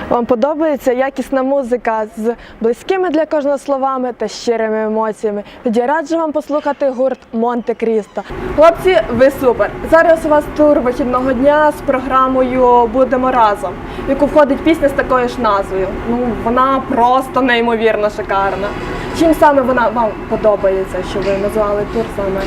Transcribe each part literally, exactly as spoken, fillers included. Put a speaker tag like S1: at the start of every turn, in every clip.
S1: Вам подобається якісна музика з близькими для кожного словами та щирими емоціями? Тоді раджу вам послухати гурт Монте-Крісто. Хлопці, ви супер! Зараз у вас тур вихідного дня з програмою «Будемо разом», в яку входить пісня з такою ж назвою. Ну, вона просто неймовірно шикарна. Чим саме вона вам подобається, що ви назвали тур саме?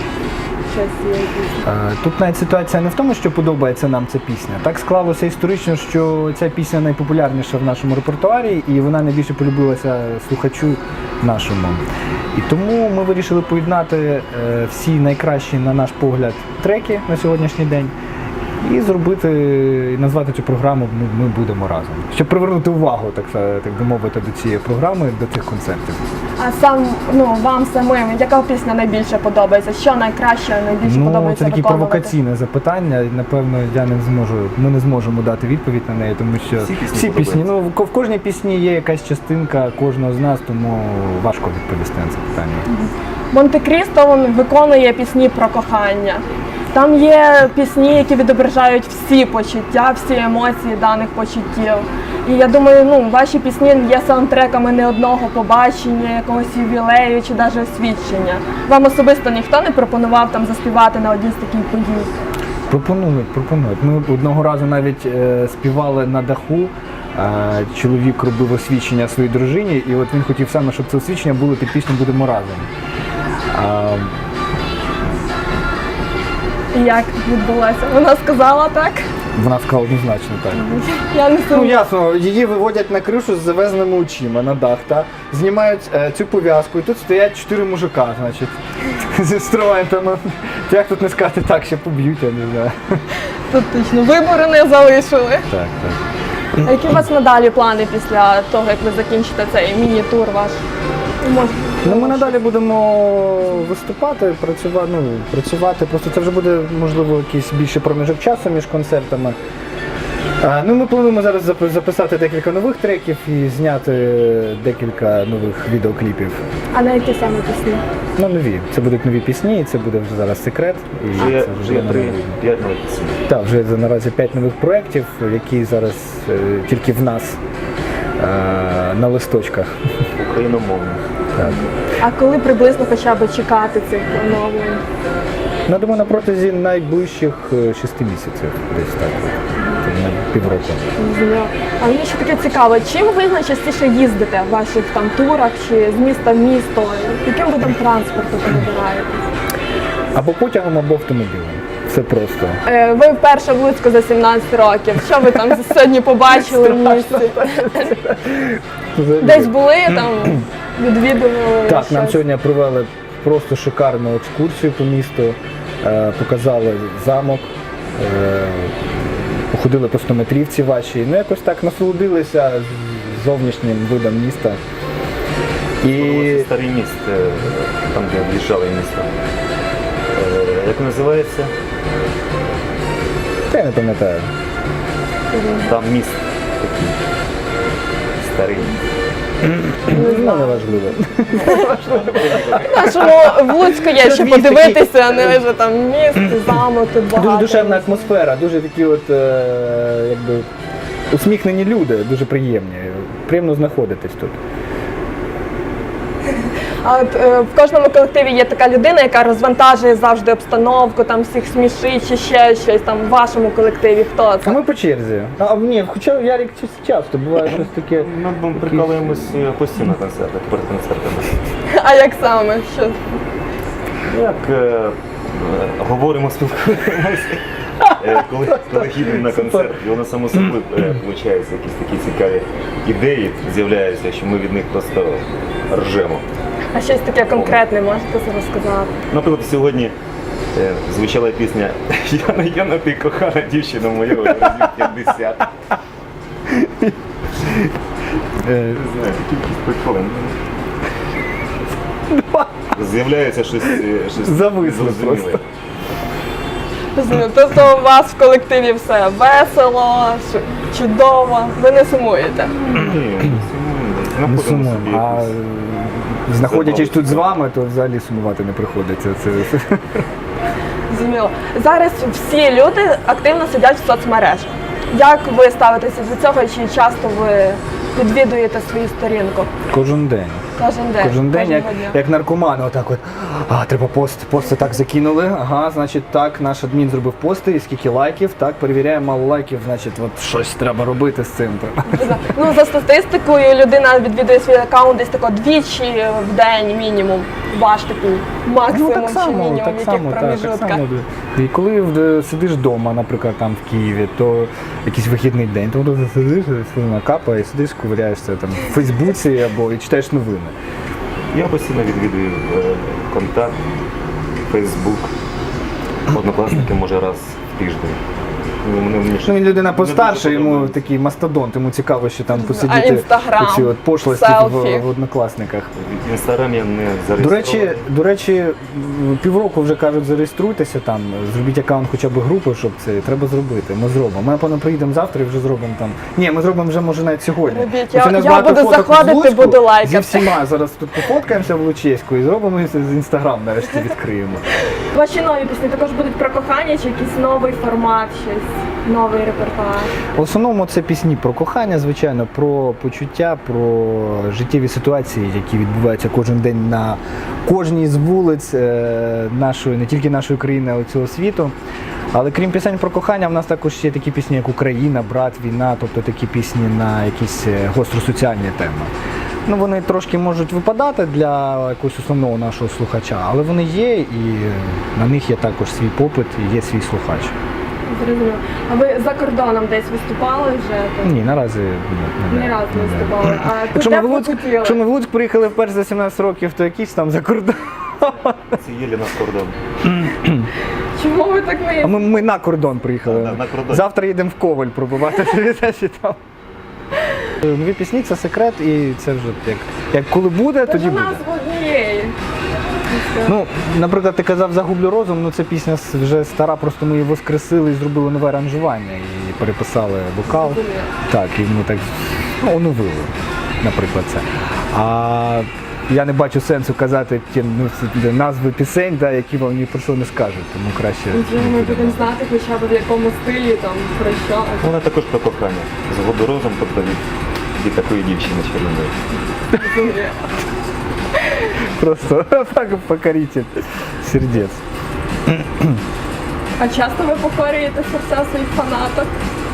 S2: Тут навіть ситуація не в тому, що подобається нам ця пісня. Так склалося історично, що ця пісня найпопулярніша в нашому репертуарі і вона найбільше полюбилася слухачу нашому. І тому ми вирішили поєднати всі найкращі, на наш погляд, треки на сьогоднішній день і зробити, і назвати цю програму «Ми, ми будемо разом», щоб привернути увагу, так, так би мовити, до цієї програми, до цих концертів.
S1: А сам, ну, вам самим, яка пісня найбільше подобається? Що найкраще, найбільше
S2: ну,
S1: подобається
S2: це таке
S1: виконувати?
S2: провокаційне запитання, напевно, я не зможу, ми не зможемо дати відповідь на неї, тому що
S3: всі пісні,
S2: всі пісні, ну, в кожній пісні є якась частинка кожного з нас, тому важко відповісти на це питання.
S1: Монте-Крісто, він виконує пісні про кохання. Там є пісні, які відображають всі почуття, всі емоції даних почуттів. І я думаю, ну, ваші пісні є саундтреками не одного побачення, якогось ювілею чи навіть освідчення. Вам особисто ніхто не пропонував там заспівати на одній з таких подій?
S2: Пропонують, пропонують. Ми одного разу навіть е, співали на даху. Е, чоловік робив освідчення своїй дружині, і от він хотів саме, щоб це освідчення було під пісню «Будемо разом». Е,
S1: І як відбулося? Вона сказала так?
S2: Вона сказала однозначно так.
S1: Я не
S2: Ну
S1: сумніваюся.
S2: ясно, її виводять на кришу з завезеними очима на дах, та знімають е, цю пов'язку, і тут стоять чотири мужика, значить, зі інструментами. Як тут не сказати так, ще поб'ють, я не знаю.
S1: Тут точно вибори не залишили.
S2: Так, так.
S1: А які у вас надалі плани після того, як ви закінчите цей міні-тур ваш? Може,
S2: Ну, ми надалі будемо виступати, працювати, ну, працювати. Просто це вже буде, можливо, якийсь більший проміжок часу між концертами. А, ну, ми плануємо зараз записати декілька нових треків і зняти декілька нових відеокліпів.
S1: А на які саме пісні?
S2: Ну, нові. Це будуть нові пісні, і це буде вже зараз секрет. І
S3: Вже є,
S2: це
S3: вже є
S2: нові.
S3: три, п'ять нових пісень.
S2: Так, вже наразі п'ять нових проєктів, які зараз е, тільки в нас е, на листочках.
S3: Україномовних.
S2: Так.
S1: А коли приблизно хоча б чекати цих оновлень?
S2: Ну, думаю, на протязі найближчих е, шести місяців, десь так, на півроку.
S1: Зрозуміло. А мені ще таке цікаво, чим ви найчастіше їздите в ваших там турах чи з міста в місто? Яким видом транспорту ви вибираєте?
S2: Або потягом, або автомобілем. Все просто.
S1: Е, ви вперше в Луцьку за сімнадцять років. Що ви там сьогодні побачили в місті? Десь були там, відвідували?
S2: Так, нам
S1: щось?
S2: сьогодні провели просто шикарну екскурсію по місту, е, показали замок, е, походили по стометрівці вашій, ну якось так насолодилися зовнішнім видом міста. І
S3: Це старий міст, е, там де об'їжджали місто. Е, Як називається?
S2: я не пам'ятаю.
S3: Там міст такий старий.
S2: Ну, неважливо.
S1: Нашому в Луцьку є що подивитися, а не лише там міст, замок, тут багато.
S2: Дуже душевна атмосфера, дуже такі от, е, якби, усміхнені люди, дуже приємні. Приємно знаходитись тут.
S1: А от е, в кожному колективі є така людина, яка розвантажує завжди обстановку, там всіх смішить чи ще щось там в вашому колективі. Хто
S2: А
S1: це?
S2: ми по черзі. А, ні, хоча Ярик часто буває щось таке.
S3: Ми прикалуємось постійно на концертах, перед концертами.
S1: А як саме? Що?
S3: Як е, е, говоримо, спілкуємося. Е, коли, коли їдемо на концерт, і воно само собою е, виходить, якісь такі цікаві ідеї з'являються, що ми від них просто ржемо.
S1: А щось таке конкретне можете розказати?
S3: Наприклад, сьогодні е, звучала пісня «Яна, Яна, ти кохана дівчина моя разів п'ятдесят». Не знаю, кількість приколи. З'являється щось, е, щось
S2: Зависло
S3: незрозуміле.
S2: просто.
S1: Розумію. Тобто у вас в колективі все весело, ш- чудово, ви не сумуєте?
S3: Ні,
S2: Не
S3: знаходимо собі
S2: сумуємо. А
S3: якусь-
S2: знаходячись тут з вами, то взагалі сумувати не приходиться. Це...
S1: Зрозуміло. Зараз всі люди активно сидять в соцмережах. Як ви ставитеся до цього? Чи часто ви відвідуєте свою сторінку?
S2: Кожен день.
S1: Кожен день.
S2: Кожен день, як,
S1: кожного дня.
S2: як наркомани, отак от, а, треба пост, пости так закинули, ага, значить так, наш адмін зробив пости, і скільки лайків, так, перевіряємо, мало лайків, значить, от щось треба робити з цим.
S1: Ну, за статистикою, людина відвідує свій аккаунт десь тако двічі в день мінімум. Ваш такий максимум
S2: Ну, так
S1: чи
S2: само,
S1: мінімум,
S2: так
S1: яких
S2: само, так, так
S1: проміжутках.
S2: само. І коли в- сидиш вдома, наприклад, там в Києві, то якийсь вихідний день, то ти сидиш, слина капає, сидиш, ковиряєшся там в Фейсбуці або і читаєш новини.
S3: Я постійно відвідую е, контакт, Фейсбук, однокласники може раз в тиждень. Ну, вони мені ще-
S2: Ну, він людина
S3: не
S2: постарше,
S3: дуже
S2: йому
S3: подобається.
S2: такий мастодонт, йому цікаво, що там
S1: А
S2: посидіти
S1: Інстаграм,
S2: оці от пошлості
S1: селфі.
S2: в, в однокласниках.
S3: В Інстаграмі я не
S2: До
S3: зареєстрований.
S2: речі, до речі, м, півроку вже кажуть, зареєструйтеся там, зробіть аккаунт хоча б групи, щоб це треба зробити. Ми зробимо. Ми, напевно, приїдемо завтра і вже зробимо там. Ні, ми зробимо вже може навіть сьогодні.
S1: Робіть.
S2: Тому що
S1: Я-
S2: у нас
S1: я
S2: багато
S1: буду
S2: фоток
S1: заходити,
S2: в Луцьку.
S1: буду лайкати.
S2: Зі всіма зараз тут пофоткаємося в Лучиську і зробимо і з інстаграм нарешті відкриємо.
S1: Ваші нові пісні також будуть про кохання чи якийсь новий формат, щось, новий репертуар?
S2: В основному це пісні про кохання, звичайно, про почуття, про життєві ситуації, які відбуваються кожен день на кожній з вулиць е, нашої, не тільки нашої країни, а й цього світу. Але крім пісень про кохання, в нас також є такі пісні, як Україна, брат, війна, тобто такі пісні на якісь е, гостросоціальні теми. Ну, вони трошки можуть випадати для якогось основного нашого слухача, але вони є, і на них є також свій попит і є свій слухач.
S1: Зрозуміло. А ви за кордоном десь виступали вже?
S2: Ні, наразі ні,
S1: Ні разу не виступали. А
S2: Якщо
S1: де
S2: ми,
S1: б
S2: в
S1: ви
S2: Луцьк,
S1: хотіли?
S2: якщо ми в Луцьк приїхали вперше за сімнадцять років, то якийсь там за кордон.
S3: Це є для нас кордон.
S1: Чому ви так
S2: А
S1: не
S2: ми, ми на кордон приїхали.
S3: На- на кордон.
S2: Завтра їдемо в Коваль пробувати передачі там. Нові пісні це секрет, і це вже як, як коли буде, тоді
S1: Це
S2: буде.
S1: назву однієї.
S2: Ну, наприклад, ти казав «Загублю розум», ну це пісня с- вже стара, просто ми її воскресили і зробили нове аранжування, і переписали вокал.
S1: Зрозуміло.
S2: Так, і ми так ну, оновили, наприклад, це. А я не бачу сенсу казати ті ну, ці назви пісень, да, які вам ні про що не скажуть, тому краще.
S1: Нічого,
S2: не
S1: ми
S2: будемо.
S1: будемо знати хоча б в якому стилі, там, про що.
S3: Вона також про кохання. З водорозом, тобто від, від такої дівчини чарівної.
S2: Просто так покоритель сердець.
S1: А часто ви покорюєте серця своїх фанаток?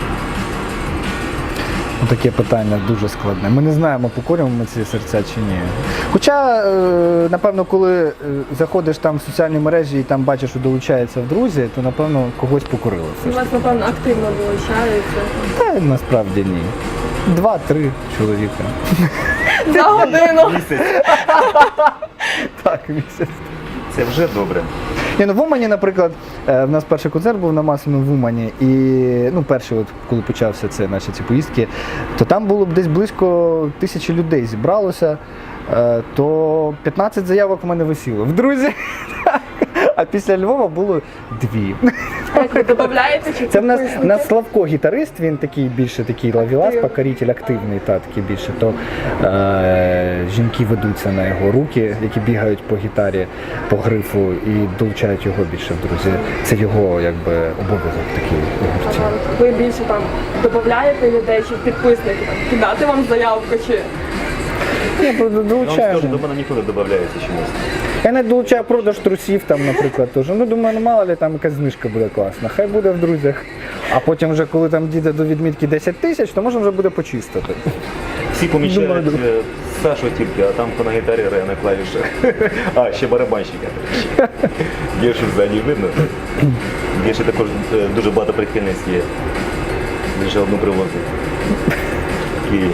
S2: Ну, таке питання дуже складне. Ми не знаємо, покорюємо ми ці серця чи ні. Хоча, е, напевно, коли е, заходиш там в соціальні мережі і там бачиш, що долучається в друзі, то, напевно, когось покорило все
S1: У
S2: ж
S1: вас,
S2: таки.
S1: напевно, активно долучаються.
S2: Та насправді ні. Два-три чоловіка.
S1: За годину.
S3: Місяць.
S2: Так, місяць.
S3: Це вже добре.
S2: Ні, ну в Умані, наприклад, е, в нас перший концерт був на Масляну в Умані, і ну, перший, от, коли почався це, наші ці поїздки, то там було б десь близько тисячі людей зібралося, е, то п'ятнадцять заявок в мене висіло в друзі. А після Львова було дві.
S1: А як ви додаєте чи
S2: Це в нас, в
S1: підписники?
S2: нас Славко гітарист, він такий більше такий лавілас, покоритель, активний, та такий більше. То е, жінки ведуться на його руки, які бігають по гітарі, по грифу і долучають його більше в друзі. Це його якби обов'язок такий у гурті.
S1: Ага, ви більше там додаєте людей чи підписники, там, кидати вам заявку чи...
S2: Я просто
S3: Я вам скажу,
S2: долучаю.
S3: до мене ніхто не додається чомусь.
S2: Я не долучаю продаж трусів там, наприклад, теж. Ну, думаю, ну мало ли там якась знижка буде класна. Хай буде в друзях. А потім вже, коли там дійде до відмітки десять тисяч, то можна вже буде почистити.
S3: Всі помічають
S2: Думаю,
S3: е, Сашу тільки, а там на гітарі грає на клавішах. А, ще барабанщика. Гешу ззаді видно. Геші також е, дуже багато прихильниць є. Лише одну привозить. Київ.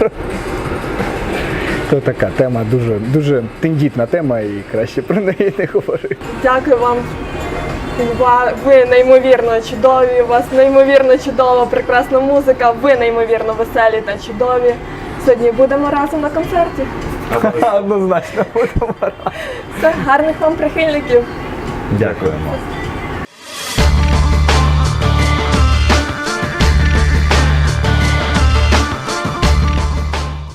S2: То така тема дуже, дуже тендітна тема і краще про неї не говорити.
S1: Дякую вам. Ва- Ви неймовірно чудові, у вас неймовірно чудова, прекрасна музика, ви неймовірно веселі та чудові. Сьогодні будемо разом на концерті.
S2: Однозначно будемо.
S1: Все, гарних вам прихильників.
S2: Дякуємо.